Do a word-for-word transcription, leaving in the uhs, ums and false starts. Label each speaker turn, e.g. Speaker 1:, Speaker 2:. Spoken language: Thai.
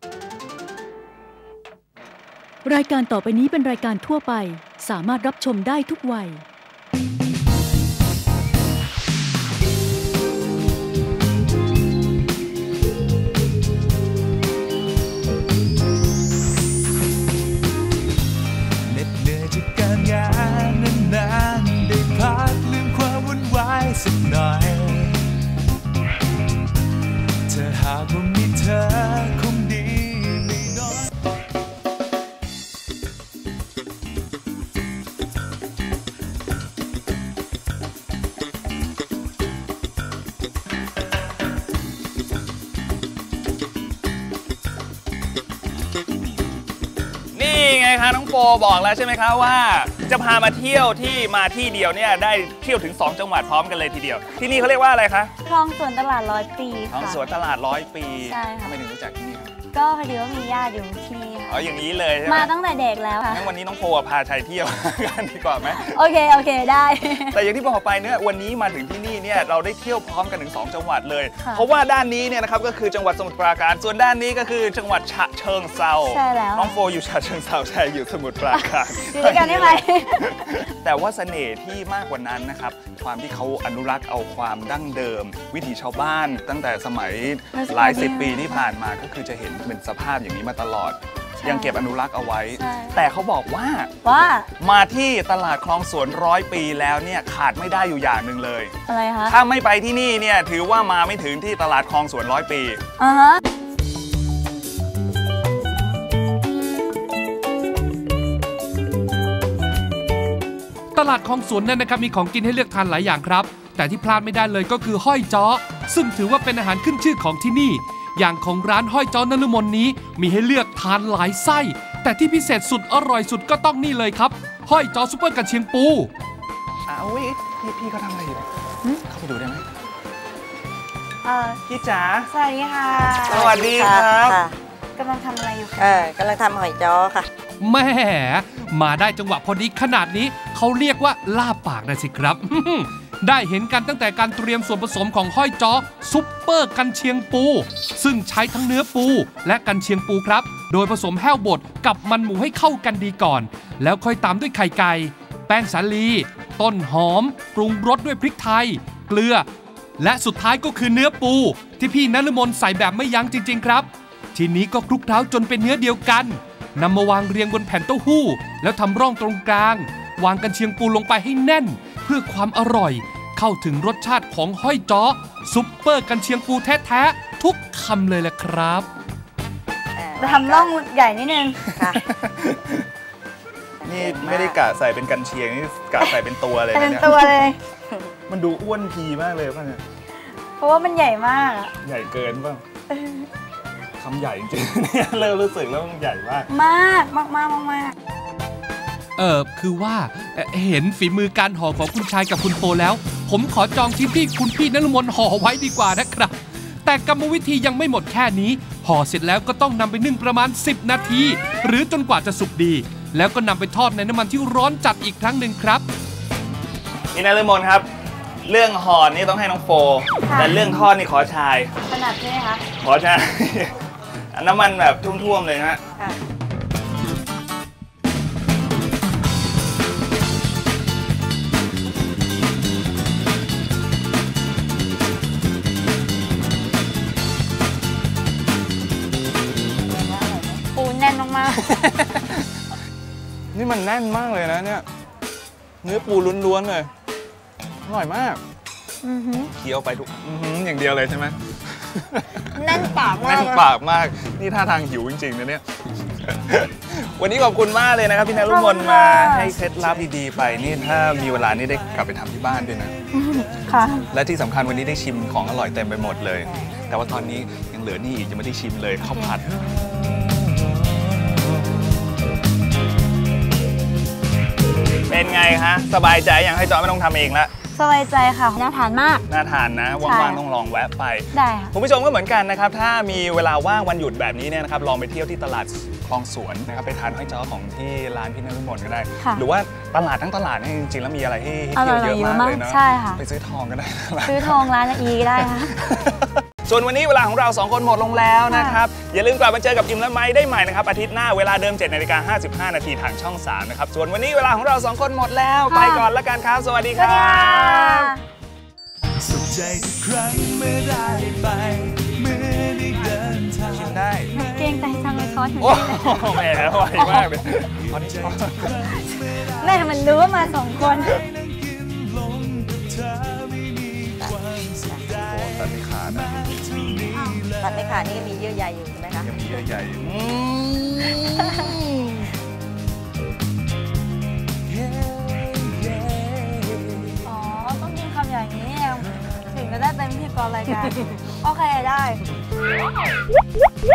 Speaker 1: รายการต่อไปนี้เป็นรายการทั่วไปสามารถรับชมได้ทุกวัย
Speaker 2: เหน็ดเหนื่อยจากการงานนานๆได้พักลืมความวุ่นวายสักหน่อยเธอหากว่ามีเธอคงดีไม่น้อย
Speaker 3: นี่ไงคะน้องโฟบอกแล้วใช่ไหมคะว่าจะพามาเที่ยวที่มาที่เดียวเนี่ยได้เที่ยวถึงสองจังหวัดพร้อมกันเลยทีเดียวที่นี่เขาเรียกว่าอะไรคะ
Speaker 4: คลองสวนตลาดร้อยปี
Speaker 3: คลองสวนตลาดร้อยปี
Speaker 4: ใช่ค่ะ
Speaker 3: ทำไมถึงรู้จักที่นี่ครับ
Speaker 4: ก็พอดีว่ามีญาติอยู่ที่นี่ค่ะ
Speaker 3: อ๋ออย่างนี้เลยใช่ไหม
Speaker 4: มาตั้งแต่เด็กแล้วค่ะ
Speaker 3: งั้นวันนี้น้องโฟพาชัยเที่ยวกันดีกว่าไหม
Speaker 4: โอเคโอเคได้
Speaker 3: แต่อย่างที่บอกไปเนี่ยวันนี้มาถึงที่นี่เนี่ยเราได้เที่ยวพร้อมกันถึงสองจังหวัดเลยเพราะว่าด้านนี้เนี่ยนะครับก็คือจังหวัดสมุทรปราการส่วนด้านนี้ก็คือจังหวัดฉะเชิงเทรา
Speaker 4: ใช่แล้ว
Speaker 3: น้องโฟอยู่ฉะเชิงเทราใช่อยู่สมุทรปราการ
Speaker 4: อยู่ด้วยกันได้ไหม
Speaker 3: แต่ว่าเสน่ห์ที่มากกว่านั้นนะครับความที่เขาอนุรักษ์เอาความดั้งเดิมวิถีชาวบ้านตั้งแต่สมัยหลายสิบปีที่ผ่านมาก็คือจะเห็นเป็นสภาพอย่างนี้มาตลอดยังเก็บอนุรักษ์เอาไว้แต่เขาบอกว่า
Speaker 4: ว่า
Speaker 3: มาที่ตลาดคลองสวนร้อยปีแล้วเนี่ยขาดไม่ได้อยู่อย่างหนึ่งเลย
Speaker 4: อะไรคะ
Speaker 3: ถ้าไม่ไปที่นี่เนี่ยถือว่ามาไม่ถึงที่ตลาดคลองสวนร้อยปี
Speaker 4: อ่าฮะ
Speaker 5: ตลาดคลองสวนเนี่ยนะครับมีของกินให้เลือกทานหลายอย่างครับแต่ที่พลาดไม่ได้เลยก็คือห้อยจ้อซึ่งถือว่าเป็นอาหารขึ้นชื่อของที่นี่อย่างของร้านห้อยจ้อนฤมลนี้มีให้เลือกทานหลายไส้แต่ที่พิเศษสุดอร่อยสุดก็ต้องนี่เลยครับห้อยจ้อซุปเปอร์กันเชียงปู
Speaker 3: อ้าวพี่พี่เขาทำอะไรอยู่เข้าไปดูได้ไหม
Speaker 4: เออ
Speaker 3: พี่จ๋า
Speaker 4: สวัสดีค่ะ
Speaker 3: สวัสดีครับ
Speaker 4: กำลังทำอะไรอยู่คะ
Speaker 6: เออกำลังทำหอยจ้อค่ะ
Speaker 5: แม่มาได้จังหวะพอดีขนาดนี้เขาเรียกว่าลาบปากนะสิครับ ได้เห็นกันตั้งแต่การเตรียมส่วนผสมของห้อยจ้อซุปเปอร์กันเชียงปูซึ่งใช้ทั้งเนื้อปูและกันเชียงปูครับโดยผสมแห้วบดกับมันหมูให้เข้ากันดีก่อนแล้วค่อยตามด้วยไข่ไก่แป้งสาลีต้นหอมปรุงรสด้วยพริกไทยเกลือและสุดท้ายก็คือเนื้อปูที่พี่นฤมลใส่แบบไม่ยั้งจริงๆครับทีนี้ก็คลุกเคล้าจนเป็นเนื้อเดียวกันนำมาวางเรียงบนแผ่นเต้าหู้แล้วทำร่องตรงกลางวางกันเชียงปูลงไปให้แน่นเพื่อความอร่อยเข้าถึงรสชาติของห้อยจ้อซุปเปอร์กันเชียงปูแท้ๆทุกคำเลยแหละครับ
Speaker 4: ทำร่องใหญ่นิดนึงค่ะ
Speaker 3: นี่ไม่ได้กะใส่เป็นกันเชียงนี่กะใส่เป็นตัวเลย
Speaker 4: เป็นตัวเลย
Speaker 3: มันดูอ้วนพีมากเลยป่ะเนี่ย
Speaker 4: เพราะว่ามันใหญ่มาก
Speaker 3: ใหญ่เกินป่ะคำใหญ่จริงๆเนี่ยเริ่มรู้สึกแล้วมันใหญ่มาก
Speaker 4: มากมากมากมาก
Speaker 5: เออคือว่าเห็นฝีมือการห่อของคุณชายกับคุณโฟแล้วผมขอจองชิ้นที่คุณพี่นฤมลห่อไว้ดีกว่านะครับแต่กรรมวิธียังไม่หมดแค่นี้ห่อเสร็จแล้วก็ต้องนำไปนึ่งประมาณสิบนาทีหรือจนกว่าจะสุกดีแล้วก็นำไปทอดในน้ำมันที่ร้อนจัดอีกครั้งหนึ่งครับ
Speaker 3: พี่นฤมลครับเรื่องห่อนี่ต้องให้น้องโฟแต่เรื่องทอดนี่ขอชาย
Speaker 4: ขนาดใช่ไหมคะ
Speaker 3: ขอชายน้ำมันแบบท่วมๆเลยนะ
Speaker 4: ปูแน่นมาก
Speaker 3: ๆนี่มันแน่นมากเลยนะเนี่ยเนื้อปูล้วนๆเลยอร่อยมากเคี้ยวไปทุกอย่างเดียวเลยใช่ไหม
Speaker 4: แน่นปากมาก
Speaker 3: แน่นปากมากนี่ท่าทางหิวจริงๆนะเนี่ยวันนี้ขอบคุณมากเลยนะครับพี่นฤมลมาให้เคล็ดลับดีๆไปนี่ถ้ามีเวลานี่ได้กลับไปทำที่บ้านด้วยนะ
Speaker 4: ค่ะ
Speaker 3: และที่สำคัญวันนี้ได้ชิมของอร่อยเต็มไปหมดเลยแต่ว่าตอนนี้ยังเหลือนี่อีกยังไม่ได้ชิมเลยข้าวผัดเป็นไงคะสบายใจยังให้จอยไม่ต้องทำเองละ
Speaker 4: สบายใจค่ะน่าทานมาก
Speaker 3: น่าทานนะว่างๆต้องลองแวะไป
Speaker 4: ได้ค่ะ
Speaker 3: คุณผู้ชมก็เหมือนกันนะครับถ้ามีเวลาว่างวันหยุดแบบนี้เนี่ยนะครับลองไปเที่ยวที่ตลาดคลองสวนนะครับไปทานห้อยจ้อของที่ร้านพี่นฤมลก็ได้หรือว่าตลาดทั้งตลาดเนี่ยจริงๆแล้วมีอะไรให้เที่ยวเยอะมากเลยเนาะ
Speaker 4: ใช่ค่ะ
Speaker 3: ไปซื้อทองก็ได้
Speaker 4: ซื้อทองร้านอีก็ได้ค่ะ
Speaker 3: ส่วนวันนี้เวลาของเราสองคนหมดลงแล้วนะครับอย่าลืมกลับมาเจอกับอิมและไม้ได้ใหม่นะครับอาทิตย์หน้าเวลาเดิมเจ็ดนาฬิกาห้าสิบห้านาทีทางช่องสามนะครับส่วนวันนี้เวลาของเราสองคนหมดแล้วไปก่อนแล้วกันครับสวัสดีครับ
Speaker 2: สุขใจทุกครั้งเมื่อได้ไปเมื่อได้เดินทาง
Speaker 3: ชิมได้
Speaker 4: เกรงใจจังเลยคอส
Speaker 3: โอ้โหแหมไวมากเลยตอนนี้ชอบ
Speaker 4: แม่มันรู้ว่ามาสองคน
Speaker 3: ตัดไม่ขาดนะ
Speaker 6: ตัดไม่ขาดนี่ก็มีเยื่อใยอยู่ใช่ไหมคะ
Speaker 3: ยังมีเยื่อใยอืม
Speaker 4: อ๋อ ต้องกินคำอย่างนี้เองถึงจะได้เป็นพิธีกรรายการ โอเคได้